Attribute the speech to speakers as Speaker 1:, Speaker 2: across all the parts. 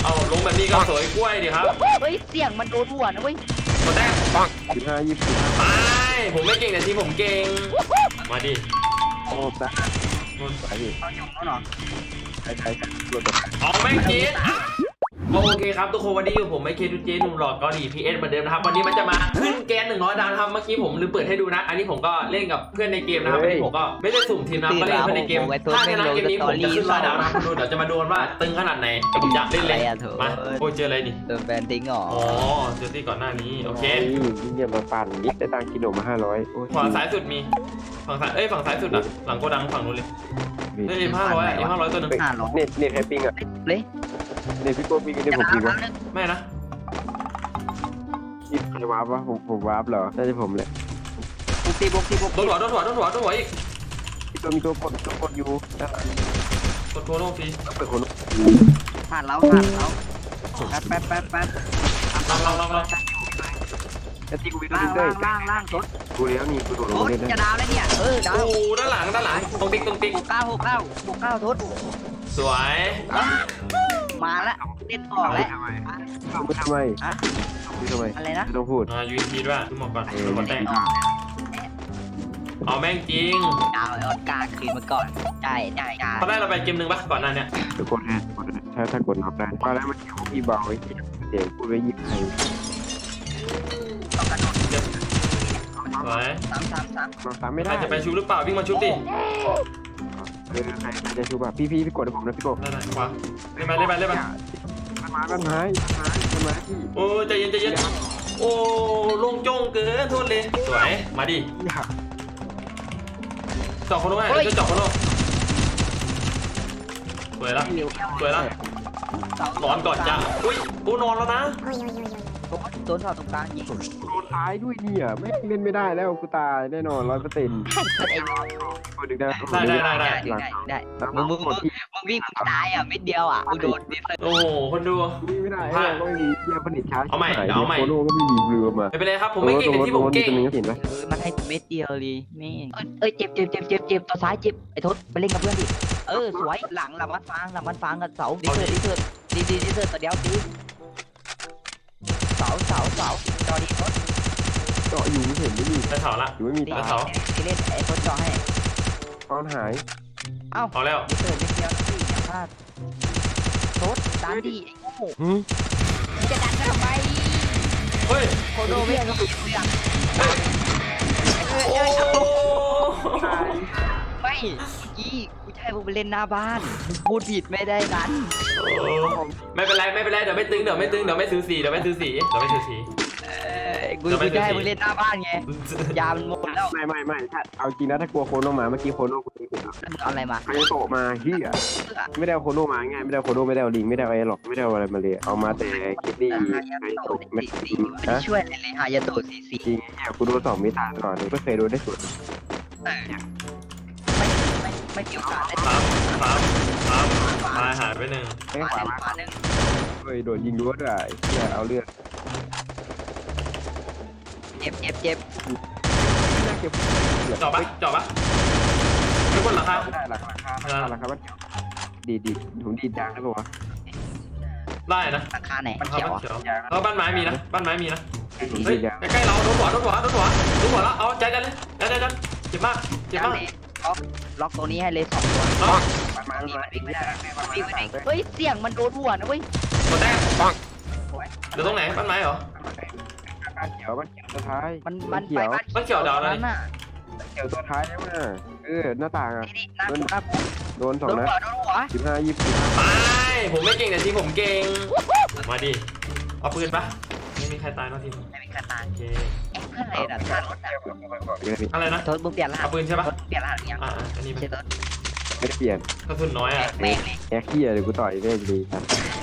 Speaker 1: เอาลงแบบนี้ก็สวยกล้วยดิครับ
Speaker 2: เฮ้ยเสียงมันโดนหัวนะเว้ย
Speaker 1: กดแต้มปัง
Speaker 3: 15 20
Speaker 1: ไปผมไม่เก่งแต่ทีผมเก่งมาดิ
Speaker 3: โอ้ตะนู่นไปดิ
Speaker 2: เอาหยงแล้วเหรอ
Speaker 3: ใครรถตัว
Speaker 1: เอาแม่งจีนโอเคครับทุกคนวันนี้อยู่ผมไม่เคทูเจหนุ่มหล่อเกาหลีพีเอสเหมือนเดิมนะครับวันนี้มันจะมาขึ้นแกน100 ดาวนะครับเมื่อกี้ผมลืมเปิดให้ดูนะอันนี้ผมก็เล่นกับเพื่อนในเกมนะครับวันนี้ผมก็ไม่ได้สุ่มทีมนะก็เล่นเพื่อนในเกมถ้าชนะเกมนี้ผมจะขึ้น100 ดาวนะครับดูเดี๋ยวจะมาดูว่าตึงขนาดไหนผมจะเล่นเลยมาโอ้เจออะไรดิ
Speaker 2: โดนแบนทิ้งหรอ
Speaker 1: อ๋อเจอที่ก่อนหน้านี้โอเค
Speaker 3: ยิ่งเยี่ยมมาปั่นนิดได้ตังกิโลมา500
Speaker 1: ฝั่งซ้ายสุดมีฝั่งซ้ายฝั่งซ้ายสุดอ่ะหลังโกดังฝั่งนู้นเลยเฮ้ย500ตัวนึง
Speaker 3: เน็ตแฮปปิ้งอ่ะ
Speaker 2: เลย
Speaker 3: เน็ตพี่โก้ปิ้งเน็ตผมปิ้งวะ
Speaker 1: ไม่นะ
Speaker 3: นี่ใครวาร์ปวะผมวาร์ปเหรอน่าจะผมเลย
Speaker 2: ตีบก
Speaker 1: โดนหัวอีก
Speaker 3: มีตัวกดอยู่
Speaker 1: กดโคโน่ฟรี
Speaker 3: เปิดโคโน่
Speaker 2: ผ่านแล้วแป๊บ
Speaker 1: ลอง
Speaker 3: จะตีกูวิ่ง
Speaker 2: ล่างรถ
Speaker 3: กูแล้วนี่กูโดดลงเล่น
Speaker 2: จะดาวแล้วเนี่ยดาว
Speaker 1: โอ้ด้านหลังตรงติ๊ก
Speaker 2: 69ทศ
Speaker 1: สวย
Speaker 2: มาแล้วเล่นออกแล้ว
Speaker 3: ทำไม
Speaker 2: อะไรนะ
Speaker 3: ต้องพูด
Speaker 1: ยูทีด้วยขึ้นมาก่อนขึ้นมาแต่งเอาแม่งจริง
Speaker 2: ดาวออดกาคืนมาก่อนได้
Speaker 1: ตอนแรกเราไปเกมหนึ่งปะก่อนหน้านี้
Speaker 3: ทุกคนนะถ้ากดน็อกได้ตอนแรกมันเกี่ยวกับพี่เบาไอ้เด็กพูดไว้ยิบใคร
Speaker 1: สวย
Speaker 3: 3ไม่ได้
Speaker 1: จะไปชูหรือเปล่าวิ่งมาชุบดิ
Speaker 3: ใครจะชูป่ะพี่กดให้ผมนะพี่กด
Speaker 1: ได้ขวาเล่นไป
Speaker 3: มันไม้
Speaker 1: โอ้ใจเย็นโอ้ลงจงเกินโทษเลยสวยมาดิเจาะคนนู้นไงจะเจาะคนนู้นสวยละนอนก่อนจ้ะอุ้ยกูนอนแล้วนะ
Speaker 2: โดนถอดตรงกลางยิง
Speaker 3: โดนท้ายด้วยเนี่ยไม่เล่นไม่ได้แล้วกูตายแน่นอน100%
Speaker 2: ได้มึงวิ่งตายอ่ะไม่เดียวอ่ะมึงโดน
Speaker 1: โอ้โหคนดู
Speaker 3: วิ่งไม่ได้ก็ไม่มีเยี่ยผลิตช้า
Speaker 1: เอาใหม่
Speaker 3: โคโน่ก็ไม่มีเรือมา
Speaker 1: ไม่เป็นไรครับผมไม่เก่งที่ผมเก่ง
Speaker 2: มันให้เม็ดเดียวเลยแม่เจ็บตัวซ้ายเจ็บไอ้ทศไปเล่นกับเพื่อนดิสวยหลังลำมันฟางกับเสาดีเถิดตัวเดียวตีเสาจอดีทศ
Speaker 3: เจาะอยู่ไม่เห็นไม่มี
Speaker 1: เสาละ
Speaker 3: อยู่ไม่มี
Speaker 1: เสา
Speaker 2: เล่นไอ้ทศจอให้
Speaker 3: ตอนหาย
Speaker 1: เอาแล้ว
Speaker 2: เถิดเดียวตีอย่าพลาดทศดันดีไอ้โง่จะดันทำไม
Speaker 1: เฮ้ย
Speaker 2: โคโดไม่มีไม่กี้กูจะให้มึงไปเล่นหน้าบ้านพูดผิดไม่ได้นั้น
Speaker 1: ไม่เป็นไรเดี๋ยวไม่ตึงเดี๋ยวไม่ซื้อสี
Speaker 2: กูจะให้มึงเล่นหน้าบ้านไงยามันหมดแล้ว
Speaker 3: ไม่ถ้าเอาจริงนะถ้ากลัวโคโน่มาเมื่อกี้โคโน่กูตีกู
Speaker 2: เอาอะไรมา
Speaker 3: ใครโตมาเฮียไม่ได้เอาโคโน่มาง่ายไม่ได้โคโน่ไม่ได้เอาลิงไม่ได้เอาไอ้หรอกไม่ได้เอาอะไรมาเลยเอามาแต่คิดดีใครโตไม่
Speaker 2: ช่วยเลยฮายาโตะสี
Speaker 3: จริงเนี่ยกูโดน2 มิตาก่อนไม่เคยโดนได้สุด
Speaker 2: ไม่เกี่ยวกับเลย
Speaker 1: หายไป1
Speaker 3: ไม่ขวามาเฮ้ยโดนยิงรั้วด้วยเฮียเอาเลือด
Speaker 2: เจ็บ
Speaker 1: เจาะปะทุกคนหลังคา
Speaker 3: ได้หลังคาดีผมดีจางได้ป่าวะ
Speaker 1: ได้นะ
Speaker 2: หลังคาไหนมันเขียว
Speaker 1: แล้วบ้านไม้มีนะเฮ้ยใกล้เราโดนหัวแล้วเอาใจกันเลยเจ็บมาก
Speaker 2: ล็อกตัวนี้ให้เลย2 ตัวเฮ้ยเสียงมันโดนหัวนะเว้ย
Speaker 1: กดแต้มปังเดี๋ยวตรงไหนบ้านไม้เหรอ
Speaker 3: เขียวตัวท้าย
Speaker 2: มันเ
Speaker 1: ขียวดาวแล้วนี่
Speaker 3: เขียวตัวท้ายใช่ไหมหน้าต่างอ่ะโดน2 นัด15 20
Speaker 1: ไปผมไม่เก่งแต่ทีผมเก่งมาดิเอาปืนปะไม่มีใครตายที
Speaker 2: ไม่มีใครตายโอเค
Speaker 1: อะไรนะ
Speaker 2: ทศมึงเปลี่ยนรหัส
Speaker 1: เอาปืนใช่ปะ
Speaker 2: เปลี่ยนรหัสยัง
Speaker 1: อันนี้
Speaker 2: ไม่ใช่ทศ
Speaker 3: ไม่ได้เปลี่ยน
Speaker 1: กระสุนน้อยอ่ะ
Speaker 3: แอคขี้เลยกูต่อยได้ดีครับ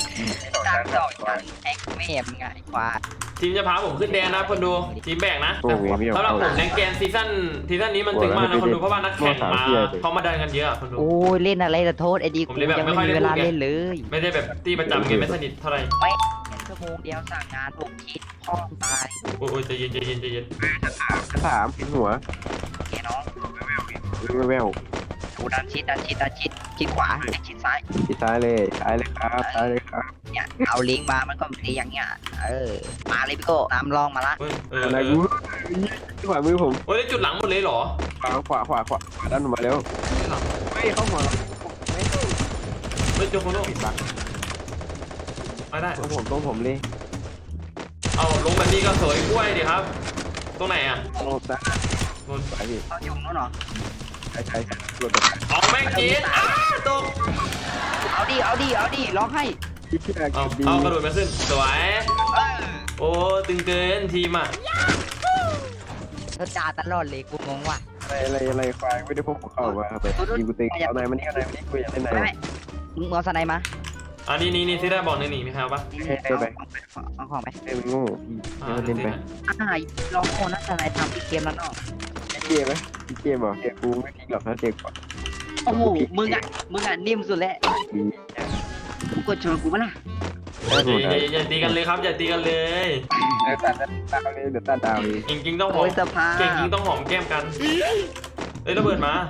Speaker 2: แอคไม่แอบง่ายกว่า
Speaker 1: ทีมจะพาผมขึ้นแดนนะคนดูทีมแบ่งนะสำหรับผมแดงแกนซีซั่นนี้มันถึงมากนะคนดูเพราะว่านักแข่งมาเขามาเดินกันเยอะคนดู
Speaker 2: โอ้ยเล่นอะไรละโทษไอ้ดีกูยังไม่มีเวลาเล่นเลย
Speaker 1: ไม่ได้แบบตีประจำไงไม่สนิทเท่าไหร่
Speaker 2: ไม่ชั่วโมงเดียวสั่งงาน6 คิดพ่อตาย
Speaker 1: โอ้ยใจเย็น
Speaker 3: 3เป็นหัว
Speaker 2: แกน้อง
Speaker 3: แวว
Speaker 2: กูดันชิดชิดขวาชิดซ้าย
Speaker 3: ที่ซ้ายเลยครับซ้ายเลยครับ
Speaker 2: เนี่ยเอาลิงก์มามันก็ตีอย่างเงี้ยมาเลยพี่โก้น้ำลองมาละ
Speaker 1: เฮ้ย
Speaker 3: อะไรกูขวามือผม
Speaker 1: โอ้ยได้จุดหลังหมดเลยเหรอ
Speaker 3: ขวาดันออกมาแล้วไม่เข้าหัวเรา
Speaker 1: เฮ้ยเจอโคโน่
Speaker 3: ปิดบัง
Speaker 1: ไม่ได้
Speaker 3: ต้องผมเลย
Speaker 1: เอาลงแบบนี้ก็สวยกล้วยดิครับ ตรงไหนอ่ะ
Speaker 3: โน้ตนะ
Speaker 1: โน่น
Speaker 3: สายพี่
Speaker 2: เอาอยู่นู้นเหรอ
Speaker 3: ใช่รถแบบ
Speaker 1: เอาแม่งจีนตก
Speaker 2: เอาดิร้องให้
Speaker 3: ที่เชื่อ
Speaker 1: เอากระโดดมาขึ้นสวยโอ้ตึงเกินทีมอ่ะ
Speaker 2: เธอจ่าตลอดเลยกูงงว่ะ
Speaker 3: อะไรควายไม่ได้พกเข้ามาไปยิงกูเตะเอาไหนมานี่กูอยากเล่นไหน
Speaker 2: ไม่มึงเอาสไนมา
Speaker 1: อันนี้ที่ได้บอกหนีมีใครเอาปะ
Speaker 2: เอาของไป
Speaker 3: เล่นโง่พี่เล่นไป
Speaker 2: ลองโอนนะสไนทำพี่เกมแล้วเนาะ
Speaker 3: เกมไหมเกมเหรอเกมกูไม่ทิ้งหรอกนะเกมก่อน
Speaker 2: โอ้โหมึงอ่ะนิ่มสุดแล้วมึงกดชนกูปะล่ะ
Speaker 1: อย่าตีกันเลยครับอย่าตีกันเลย
Speaker 3: เดี๋ยวตัดดาวเลย
Speaker 1: จริงต้องหอ
Speaker 2: โอ้
Speaker 1: ม
Speaker 2: ยสภา
Speaker 1: เก่งจริงต้องหอมแก้มกันเอ้ยระเบิดมา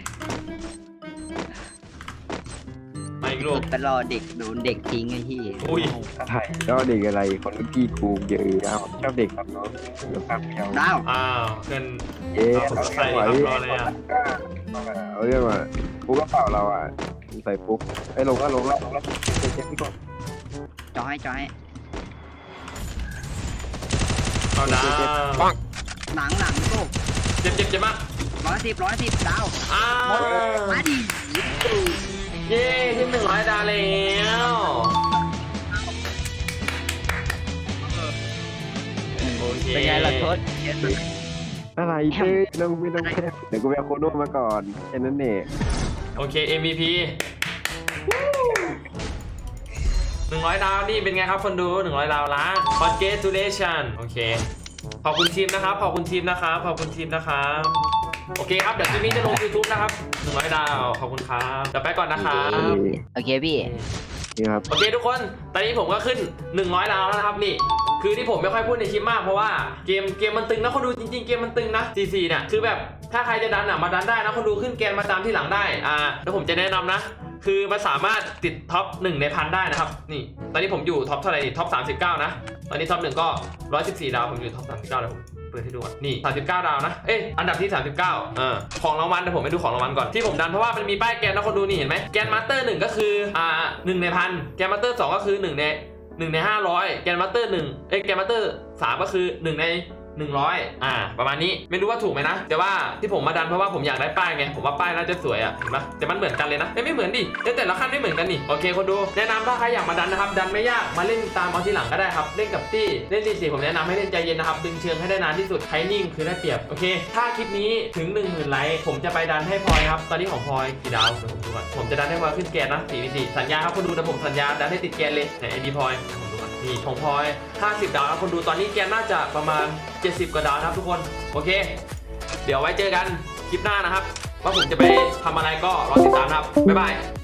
Speaker 1: อีกลูก
Speaker 2: ตลอดเด็กโดนเด็กทิ้งไอ้ที่
Speaker 1: อุ้ย
Speaker 3: ไทยก็เด็กอะไรคนรุ่นพี่กูเยอะชอบเด็กครับน้องเดี๋ยวครับเดียว
Speaker 2: ดาว
Speaker 1: อ้าวเกิน
Speaker 3: เอ๊ะ
Speaker 1: ใส่ครับรอเลยอ่ะ
Speaker 3: เอาเรื่องมากูก็เปล่าเราอ่ะใส่ปุ๊บไอ้ลงแล้วเช็คพี่ก่อน
Speaker 2: จอให้
Speaker 1: เอาดาว
Speaker 2: หลังโก้
Speaker 1: เจ็บมาก
Speaker 2: 110ดาว
Speaker 1: อ้าว
Speaker 2: มาดิ
Speaker 1: เย้ที่100 ดาวแล้วโอเค
Speaker 2: เป็นไงล่ะทศ
Speaker 3: อะไรเต้ไม่ต้องแค่เดี๋ยวกูไปเอาโคโน่มาก่อนแค่นั้นเอง
Speaker 1: โอเค MVP 100 ดาวนี่เป็นไงครับคนดู100 ดาวละ Congratulation โอเคขอบคุณทีมนะครับขอบคุณทีมนะครับโอเคครับเดี๋ยวคลิปนี้จะลง YouTube นะครับ100 ดาวขอบคุณครับเดี๋ยวไปก่อนนะครับ
Speaker 2: โอเคพี่
Speaker 3: นี่ครับ
Speaker 1: โอเคทุกคนตอนนี้ผมก็ขึ้น100 ดาวแล้วนะครับนี่คือที่ผมไม่ค่อยพูดในคลิปมากเพราะว่าเกมมันตึงนะคนดูจริงๆเกมมันตึงนะCCเนี่ยคือแบบถ้าใครจะดันมาดันได้นะคนดูขึ้นแกนมาตามที่หลังได้แล้วผมจะแนะนำนะคือมันสามารถติดท็อป1ในพันได้นะครับนี่ตอนนี้ผมอยู่ท็อปเท่าไหร่ท็อป39นะตอนนี้ท็อป1ก็114 ดาวผมอยู่ท็อป39เลยผมเปิดให้ดูก่อนนี่39 ดาวนะอันดับที่39ของรางวัลเดี๋ยวผมไปดูของรางวัลก่อนที่ผมดันเพราะว่ามันมีป้ายแกนนะคนดูนี่เห็นไหมแกนมาสเตอร์1ก็คือ1ในพันแกนมาสเตอร์2ก็คือ1ใน500แกนมาสเตอร์1แกนมาสเตอร์3ก็คือ1ใน100ประมาณนี้ไม่รู้ว่าถูกไหมนะแต่ว่าที่ผมมาดันเพราะว่าผมอยากได้ป้ายไงผมว่าป้ายน่าจะสวยเห็นปะแต่มันเหมือนกันเลยนะไม่เหมือนดิแต่ละขั้นไม่เหมือนกันนี่โอเคคนดูแนะนำถ้าใครอยากมาดันนะครับดันไม่ยากมาเล่นตามเอาทีหลังก็ได้ครับเล่นกับตี้เล่น4ผมแนะนำให้เล่นใจเย็นนะครับดึงเชิงให้ได้นานที่สุดใครนิ่งคือได้เปรียบโอเคถ้าคลิปนี้ถึง 10,000 ไลค์ผมจะไปดันให้พลอยครับตอนนี้ของพลอยกี่ดาวเดี๋ยวผมดูก่อนผมจะดันให้พลอยขึ้นแกนนะ4 สัญญาครับคนดูแต่ผมสัญญาดันให้ติดแกนเลยในไอดีพลอยผมดูก่อนนี่ของพลอย50 ดาวครับคนดูตอนนี้แกนน่าจะประมาณ70 กว่าดาวนะครับทุกคนโอเคเดี๋ยวไว้เจอกันคลิปหน้านะครับว่าผมจะไปทำอะไรก็รอติดตามนะครับบ๊ายบาย